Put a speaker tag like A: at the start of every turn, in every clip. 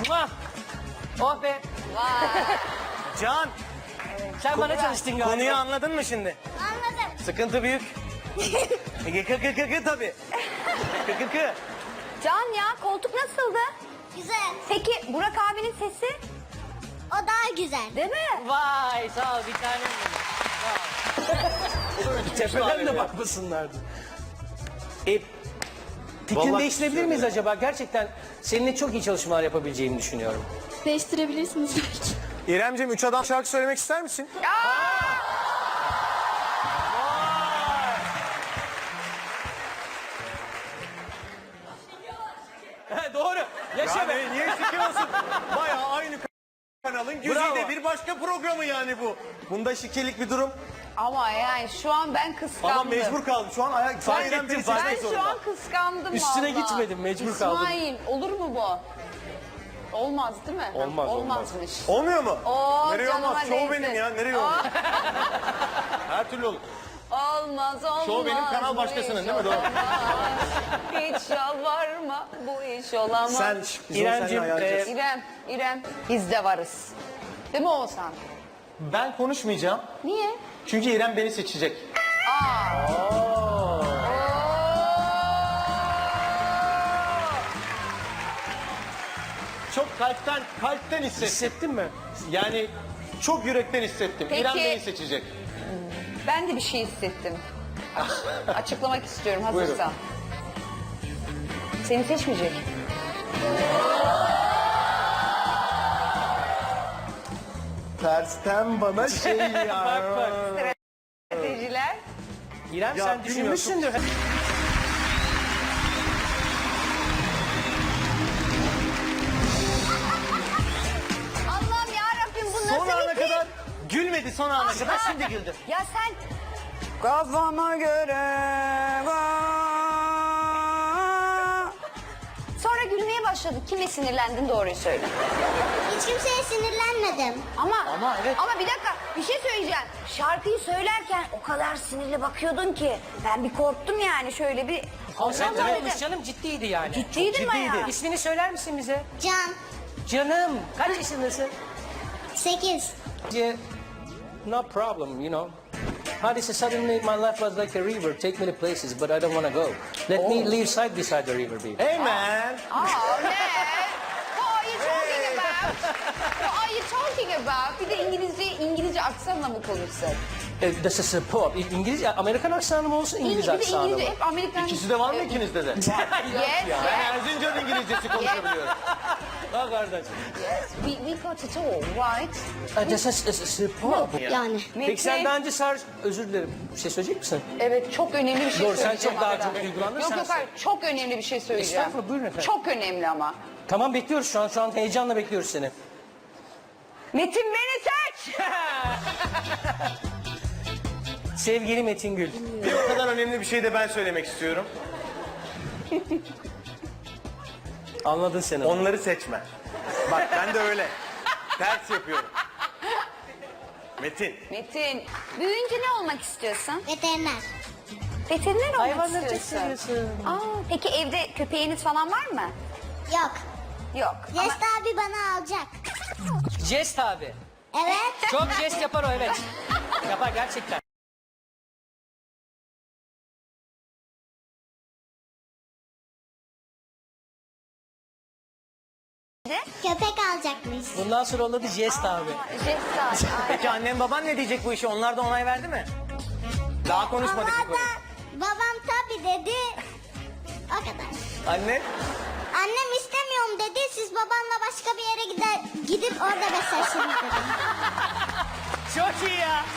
A: Muah. Oh be.
B: Can,
A: Sen bana çalıştın galiba.
B: konuyu anladın mı şimdi?
C: Anladım.
B: Sıkıntı büyük. Kı tabii. Kı.
D: Can ya koltuk nasıldı?
C: Güzel.
D: Peki Burak abinin sesi
C: O daha güzel.
D: değil mi?
A: Vay sağ ol bir tanem benim. Tepeden de bakmasınlardı. Fikrini
B: Vallahi
A: değiştirebilir miyiz acaba? Gerçekten seninle çok iyi çalışmalar yapabileceğimi düşünüyorum.
E: Değiştirebilirsiniz belki.
B: İremciğim 3 adam şarkı söylemek ister misin?
A: He, doğru. Yaşa be.
B: Yani niye şike olsun? Bayağı aynı kanalın güzide
A: Bravo.
B: bir başka programı yani bu. Bunda şikelik bir durum.
F: Ama yani şu an ben kıskandım.
B: Ama mecbur kaldım. Şu an ayak
A: Fark
B: İrem
A: ettim,
B: beni
A: fark
B: seçmek
F: Ben şu
B: zorunda.
F: an kıskandım
A: Üstüne
F: vallahi.
A: gitmedim, mecbur kaldım.
F: İsmail olur mu bu? Olmaz değil mi?
A: Olmaz,
F: Olmazmış.
B: Olmuyor mu?
F: Oo,
B: Nereye
F: canıma
B: olmaz? Şov
F: değsin.
B: benim ya. Nereye olmaz? Her türlü olur.
F: Olmaz olmaz.
B: Şov benim, kanal
F: bu
B: başkasının,
F: iş
B: değil mi? Doğru.
F: olamaz. Hiç yalvarma bu iş olamaz.
B: Sen
A: İremciğim,
F: İrem biz de varız. Değil mi Oğuzhan?
B: Ben konuşmayacağım.
F: Niye?
B: Çünkü İrem beni seçecek. Çok kalpten hissettim.
A: Hissettin mi?
B: Yani çok yürekten hissettim.
F: Peki.
B: İrem beni seçecek.
F: Ben de bir şey hissettim. Açıklamak istiyorum hazırsan.
B: Buyurun.
F: Seni seçmeyecek.
B: Tersten bana şey ya.
A: Bak.
F: Stratejiler.
A: İrem
B: Ya
A: sen
B: bilmiyorum,
A: düşünmüşsündür.
D: Allah'ım yarabbim bu
B: Son
D: nasıl
B: ana
D: bir şey?
B: kadar gülmedi son ana kadar şimdi güldü.
D: Ya sen
F: Kafama göre.
D: sonra gülmeye başladın. Kime sinirlendin doğruyu söyle.
C: Hiç kimseye sinirlenmedim.
D: Ama
A: evet.
D: Ama bir dakika bir şey söyleyeceğim. Şarkıyı söylerken o kadar sinirli bakıyordun ki ben bir korktum yani şöyle bir.
A: Konsantre
D: Evet,
A: olmuş canım, ciddiydi yani.
D: Ciddiydim bayağı.
A: İsmini söyler misin bize?
C: Can.
A: Canım, kaç yaşındasın?
C: 8.
A: No problem, you know. How this is suddenly my life was like a river, take me to places, but I don't want to go. Let me live side beside the river, baby.
B: Hey man.
F: Oh man. What are you talking about? What are you talking about? Bir de İngilizce aksanla mı konuşsak?
A: This is a pop. İngilizce, Amerikan aksanı mı olsun, İngiliz
F: Bir de
A: aksanı mı?
F: İngilizce hep Amerikan.
B: İkisi de var mı ikinizde de?
F: Yes,
B: Ben Erzincan İngilizcesi konuşabiliyorum.
A: Ha kardeşim.
F: we got it all, right?
A: This is a pop.
C: Yani.
A: Peki sen daha önce özür dilerim, bir şey söyleyecek misin?
F: Evet, çok önemli bir şey
A: Doğru, sen
F: söyleyeceğim.
A: çok daha
F: arada.
A: çok duygulandın,
F: Yok
A: sen
F: yok hayır, çok önemli bir şey söyleyeceğim.
A: Estağfurullah, buyurun efendim.
F: Çok önemli ama.
A: Tamam, bekliyoruz şu an heyecanla bekliyoruz seni.
F: Metin beni seç!
A: Sevgili Metin Gül.
B: Bir o kadar önemli bir şey de ben söylemek istiyorum.
A: Anladın sen onu.
B: Onları seçme. Bak ben de öyle. Ters yapıyorum. Metin.
F: Metin,
D: Büyüyünce ne olmak istiyorsun?
C: Veteriner.
D: Veteriner olmak
A: Hayvanları çok
D: istiyorsun.
A: seviyorsun.
D: Aa, peki evde köpeğiniz falan var mı?
C: Yok.
D: Yok. Ama
C: Jest abi bana alacak.
A: Jest abi.
C: Evet.
A: Çok jest yapar o, evet. Yapar gerçekten.
C: Köpek alacakmış.
A: Bundan sonra onun adı Jest abi.
D: jest abi.
B: Peki annem baban ne diyecek bu işe? Onlar da onay verdi mi? Daha konuşmadık bu
C: Ama
B: konuyu.
C: da babam tabii dedi. O kadar.
B: Anne?
C: Annem istemiyorum dedi. Siz babanla başka bir yere gidip orada beslersiniz dedi.
A: Çok iyi ya.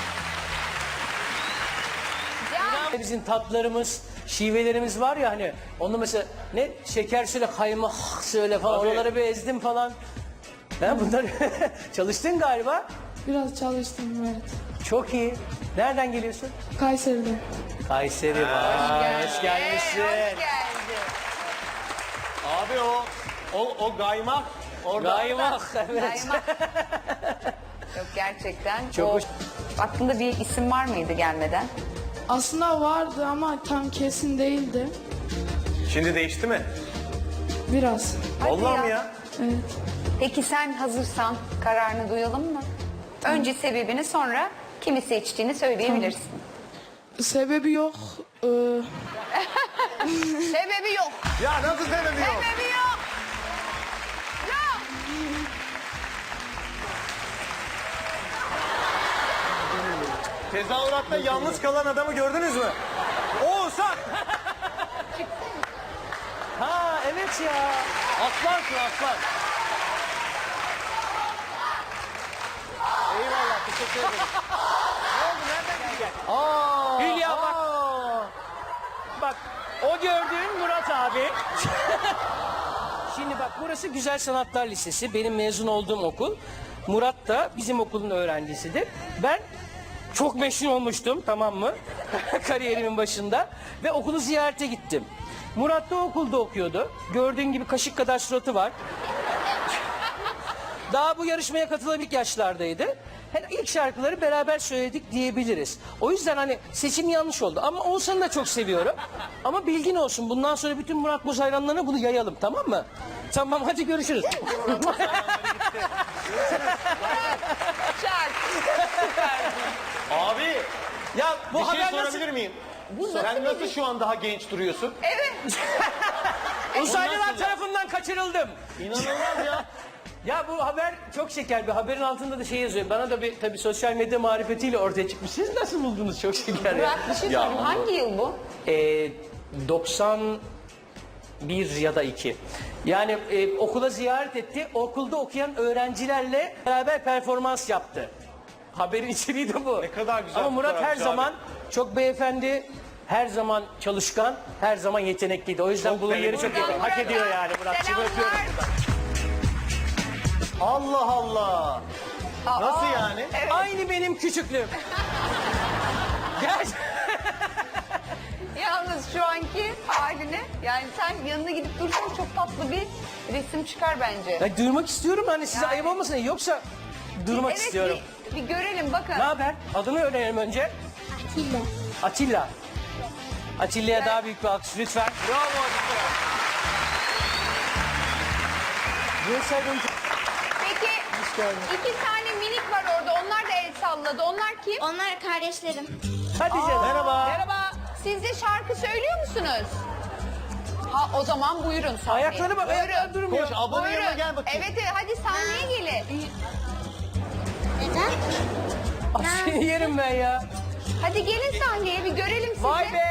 A: Bizim tatlarımız, şivelerimiz var ya hani. Onu mesela ne şeker söyle, kaymak söyle falan.
B: Tabii.
A: Oraları bir ezdim falan. Ha, bunlar çalıştın galiba.
E: Biraz çalıştım evet.
A: Çok iyi. Nereden geliyorsun?
E: Kayseri'de.
A: Kayseri var. Hoş gelmişsin.
F: hoş geldin.
B: Abi o gaymak orada.
A: Gaymak. Evet.
F: Kaymak. Yok gerçekten.
A: Çok
F: o,
A: hoş.
F: Aklında bir isim var mıydı gelmeden?
E: Aslında vardı ama tam kesin değildi.
B: Şimdi değişti mi?
E: Biraz.
F: Hadi
B: Vallahi mi ya?
E: Evet.
F: Peki sen hazırsan kararını duyalım mı? Önce sebebini, sonra kimi seçtiğini söyleyebilirsin.
E: Sebebi yok.
F: Sebebi yok.
B: Ya nasıl sebebi yok?
F: Sebebi yok. Yok.
B: Tezahüratta yalnız kalan adamı gördünüz mü? Oğuzhan!
A: Ha evet ya.
B: Aslansın aslan. Eyvallah, teşekkür ederim. Ne oldu, nereden geldin? Aa,
A: Hülya bak.
B: aa.
A: Bak o gördüğün Murat abi. Şimdi bak burası Güzel Sanatlar Lisesi. Benim mezun olduğum okul. Murat da bizim okulun öğrencisidir. Ben çok meşhur olmuştum, tamam mı? Kariyerimin başında. Ve okulu ziyarete gittim. Murat da okulda okuyordu. Gördüğün gibi kaşık kadar suratı var. Daha bu yarışmaya katılabilik yaşlardaydı. İlk şarkıları beraber söyledik diyebiliriz. O yüzden hani seçim yanlış oldu. Ama Oğuzhan'ı da çok seviyorum. Ama bilgin olsun. Bundan sonra bütün Murat Boz hayranlarına bunu yayalım, tamam mı? Tamam, hadi görüşürüz.
F: Çak.
B: Abi,
A: Ya bu
B: bir şey
A: haber nasıl...
B: sorabilir miyim?
F: nasıl
B: Sen
F: bir-
B: nasıl şu an daha genç duruyorsun?
A: Uzaylılar tarafından kaçırıldım.
B: İnanılmaz ya.
A: Ya bu haber çok şeker bir haberin altında da şey yazıyor. Bana da bir tabii sosyal medya marifetiyle ortaya çıkmış. Siz nasıl buldunuz, çok şeker ya.
F: Murat bir şey sorayım. Hangi yıl bu?
A: 91 ya da 2. Yani okula ziyaret etti. Okulda okuyan öğrencilerle beraber performans yaptı. Haberin içeriği de bu.
B: Ne kadar güzel
A: Ama Murat her
B: fotoğrafçı
A: zaman
B: abi.
A: çok beyefendi, her zaman çalışkan, her zaman yetenekliydi. O yüzden
B: Çok
A: bunun yeri
B: beğendim.
A: çok iyi. Hak ediyor yani Murat'cığım, öpüyorum.
F: Selamlar.
B: Allah Allah. Nasıl yani?
A: Aynı benim küçüklüğüm. Gel.
F: Yalnız şu anki haline, yani sen yanına gidip dursan çok tatlı bir resim çıkar bence.
A: Ya durmak istiyorum hani size
F: Yani-
A: ayıp olmasın. Yoksa durmak
F: Evet,
A: istiyorum.
F: bir görelim bakın.
A: Ne haber? Adını öğrenelim önce.
C: Atilla.
A: Atilla. Atilla'ya daha büyük bir alkış lütfen.
B: Bravo Atilla.
A: Görsel
F: Peki
A: geldin.
F: 2 tane minik var orada, onlar da el salladı. Onlar kim?
C: Onlar kardeşlerim.
A: Hadi canım.
B: Merhaba.
F: Merhaba. Siz de şarkı söylüyor musunuz? Ha, o zaman buyurun sahneye.
A: Ayakları bak, ayaklar durmuyor.
B: Koş ablanın yanına
F: Buyurun.
B: gel bakayım.
F: Evet, evet, hadi sahneye gelin.
C: Neden?
A: Ah, seni yerim ben ya.
F: Hadi gelin sahneye, bir görelim sizi.
A: Vay be.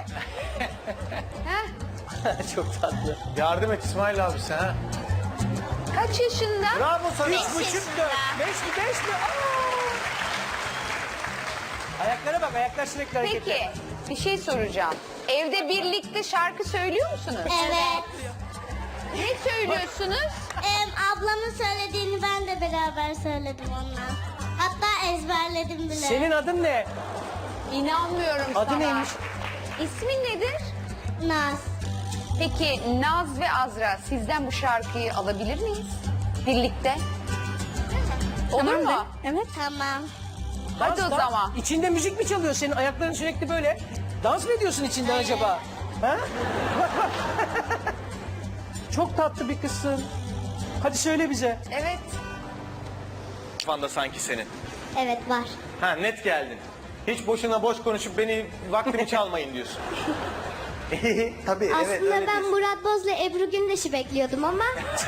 F: Heh,
A: Çok tatlı.
B: Yardım et İsmail abi sen ha.
F: kaç yaşında?
B: Bravo sana.
A: 3,5 4. 5 mi? Ayaklara bak, ayaklar sürekli hareketli.
F: Peki, bir şey soracağım. Evde birlikte şarkı söylüyor musunuz?
C: Evet.
F: Ne söylüyorsunuz?
C: Ablamın söylediğini ben de beraber söyledim onunla. Hatta ezberledim bile.
A: Senin adın ne?
F: İnanmıyorum sana.
A: Adı neymiş?
F: İsmin nedir?
C: Naz.
F: Peki Naz ve Azra, sizden bu şarkıyı alabilir miyiz? Birlikte. Olur mu?
C: Evet. Tamam.
F: Hadi o zaman.
A: İçinde müzik mi çalıyor senin? Ayakların sürekli böyle. Dans mı ediyorsun içinden acaba? Ha? Bak bak. Çok tatlı bir kızsın. Hadi söyle bize.
F: Evet.
B: Kafanda sanki senin.
C: Evet var.
B: Ha net geldin. Hiç boşuna boş konuşup beni vaktimi çalmayın diyorsun. Tabii evet
C: Aslında
B: öyle
C: ben
B: diyorsun.
C: Murat Boz'la Ebru Gündeş'i bekliyordum ama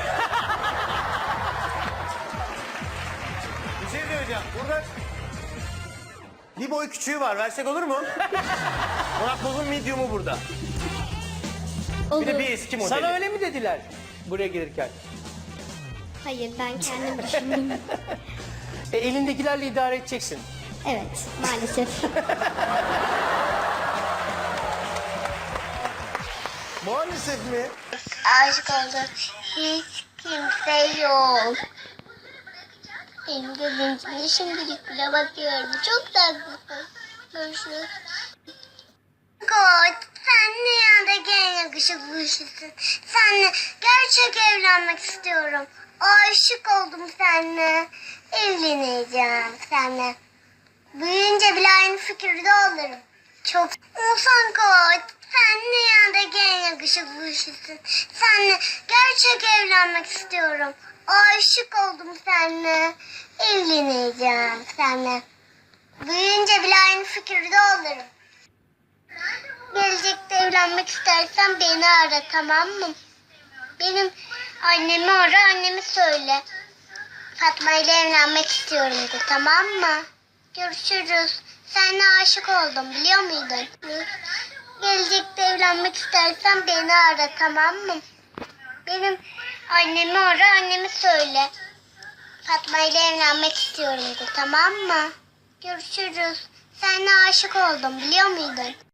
B: Bir şey söyleyeceğim. Burada bir boy küçüğü var. Versek olur mu? Murat Boz'un medium'u burada.
C: olur.
B: Bir de bir eski modeli.
A: Sana öyle mi dediler buraya gelirken?
C: Hayır ben kendim düşündüm.
A: Elindekilerle idare edeceksin.
C: Evet maalesef.
B: Maalesef mi?
C: Aşık oldum. Hiç kimse yok. Benim gözüm içinde şimdilik bile bakıyorum. Çok tatlısın. Görüşürüz. Koç, sen dünyadaki en yakışıklısın. Seninle gerçek evlenmek istiyorum. Aşık oldum seninle. Evleneceğim seninle. Büyüyünce bile aynı fikirde olurum. Çok olsan Koç. Sen dünyadaki en yakışıklı kişisin. Seninle gerçek evlenmek istiyorum. Aşık oldum seninle. Evleneceğim seninle. Büyüyünce bile aynı fikirde olurum. Gelecekte evlenmek istersen beni ara, tamam mı? Benim annemi ara, annemi söyle. Fatma ile evlenmek istiyorum de, tamam mı? Görüşürüz. Seninle aşık oldum, biliyor muydun? Gelecekte evlenmek istersen beni ara, tamam mı? Benim annemi ara, annemi söyle. Fatma ile evlenmek istiyorum de, tamam mı? Görüşürüz. Seninle aşık oldum, biliyor muydun?